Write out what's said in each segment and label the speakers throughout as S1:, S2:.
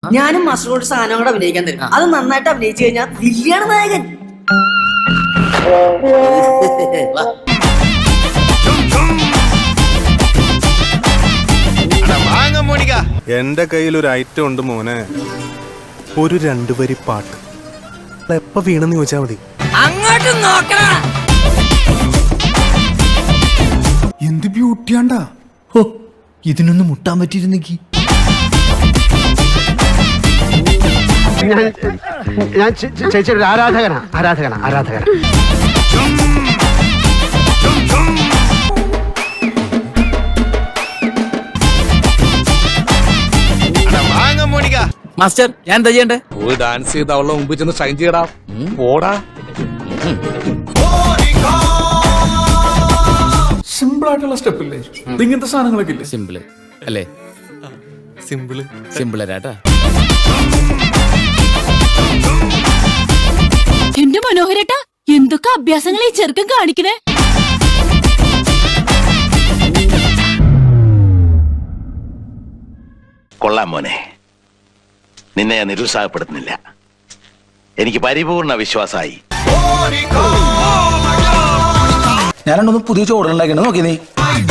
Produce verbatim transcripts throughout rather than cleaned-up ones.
S1: ഞാനും മാസ്റ്ററോട് സാധനം കൂടെ അഭിനയിക്കാൻ തരും. അത് നന്നായിട്ട് അഭിനയിച്ചു കഴിഞ്ഞാൽ വില്യാണ് നായകൻ.
S2: എന്റെ കയ്യിൽ ഒരു ഐറ്റം ഉണ്ട് മോനെ, ഒരു രണ്ടു വരി പാട്ട്. എപ്പ വീണെന്ന് ചോദിച്ചാ മതി.
S1: അങ്ങോട്ട് നോക്കണ
S3: എന്ത് ബ്യൂട്ടിയാണ്ടാ.
S4: ഹോ, ഇതിനൊന്നും മുട്ടാൻ പറ്റിയിരുന്നെങ്കി.
S5: ഞാൻ ചേച്ചിയുടെ ആരാധകനാ ആരാധകനാ ആരാധകനാ
S6: മാസ്റ്റർ ഞാൻ എന്താ ചെയ്യണ്ടേ?
S7: പോയി ഡാൻസ് ചെയ്ത് അവളുടെ മുമ്പിൽ ചെന്ന് ഷൈൻ ചെയ്യടാ. പോടാ.
S3: സിമ്പിൾ ആയിട്ടുള്ള സ്റ്റെപ്പ് ഇല്ലേ ഇങ്ങനത്തെ സാധനങ്ങളൊക്കെ ഇല്ലേ?
S6: സിമ്പിള് അല്ലേ?
S7: സിമ്പിള്
S6: സിമ്പിൾ അരാട്ടാ.
S8: എന്റെ മനോഹരേട്ടാ, എന്തൊക്കെ അഭ്യാസങ്ങൾ ഈ ചെറുക്കൻ കാണിക്കണേ.
S9: കൊള്ളാം മോനെ, നിന്നെ ഞാൻ നിരുത്സാഹപ്പെടുത്തുന്നില്ല. എനിക്ക് പരിപൂർണ വിശ്വാസമായി.
S4: ഞാനൊന്നും പുതിയ ചോടുണ്ടാക്കണ നോക്കി നീ.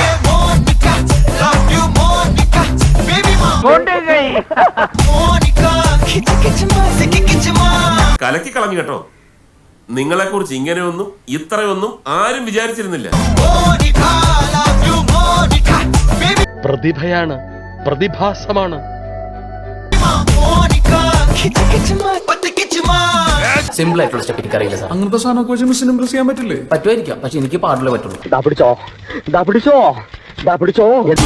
S10: കലക്കി കളഞ്ഞു കേട്ടോ. നിങ്ങളെ കുറിച്ച് ഇങ്ങനെയൊന്നും ഇത്രയൊന്നും ആരും വിചാരിച്ചിരുന്നില്ല.
S7: പ്രതിഭയാണ്, പ്രതിഭാസമാണ്.
S6: സിമ്പിൾ ആയിട്ടുള്ള സ്റ്റെപ്പ് എനിക്ക് അറിയില്ല സാർ.
S3: അങ്ങനത്തെ സാധനമൊക്കെ വെച്ച് മിസ്സിന് ഇംപ്രസ് ചെയ്യാൻ പറ്റില്ലേ?
S6: പറ്റുമായിരിക്കാം, പക്ഷെ എനിക്ക് പാടില്ലേ പറ്റുള്ളൂ.
S5: ദാ പിടിച്ചോ ദാ പിടിച്ചോ ദാ പിടിച്ചോ.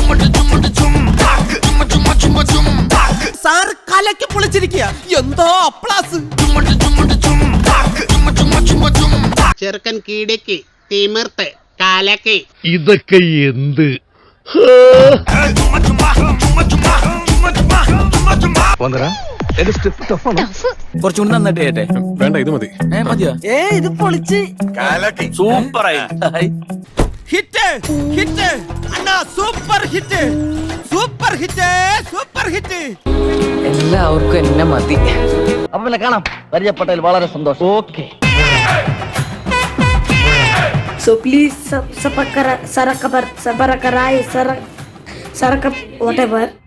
S6: സാർ കലക്കി പൊളിച്ചിരിക്കുക. എന്തോ അപ്ലാസ്.
S5: ചെറുക്കൻ കീടക്ക് തിമിർത്ത് കാലക്ക്.
S7: ഇതൊക്കെ എന്ത്?
S6: കുറച്ചുകൂടി നന്നായിട്ട് ചെയ്യട്ടെ.
S2: വേണ്ട, ഇത് മതി.
S6: ഏ മതിയോ?
S1: ഏ ഇത് പൊളിച്ച്
S6: സൂപ്പറായി. ഹിറ്റ് ഹിറ്റ് അണ്ണാ, super hit super hit super hit. എല്ലാവർക്കും എന്നെ മതി.
S5: അപ്പൊ പിന്നെ കാണാം. പരിചയപ്പെട്ടതിൽ വളരെ സന്തോഷം. Okay.
S8: So please sub, sub, sub, sub, sub, sub, sub, sub, sub, sub, sub, whatever.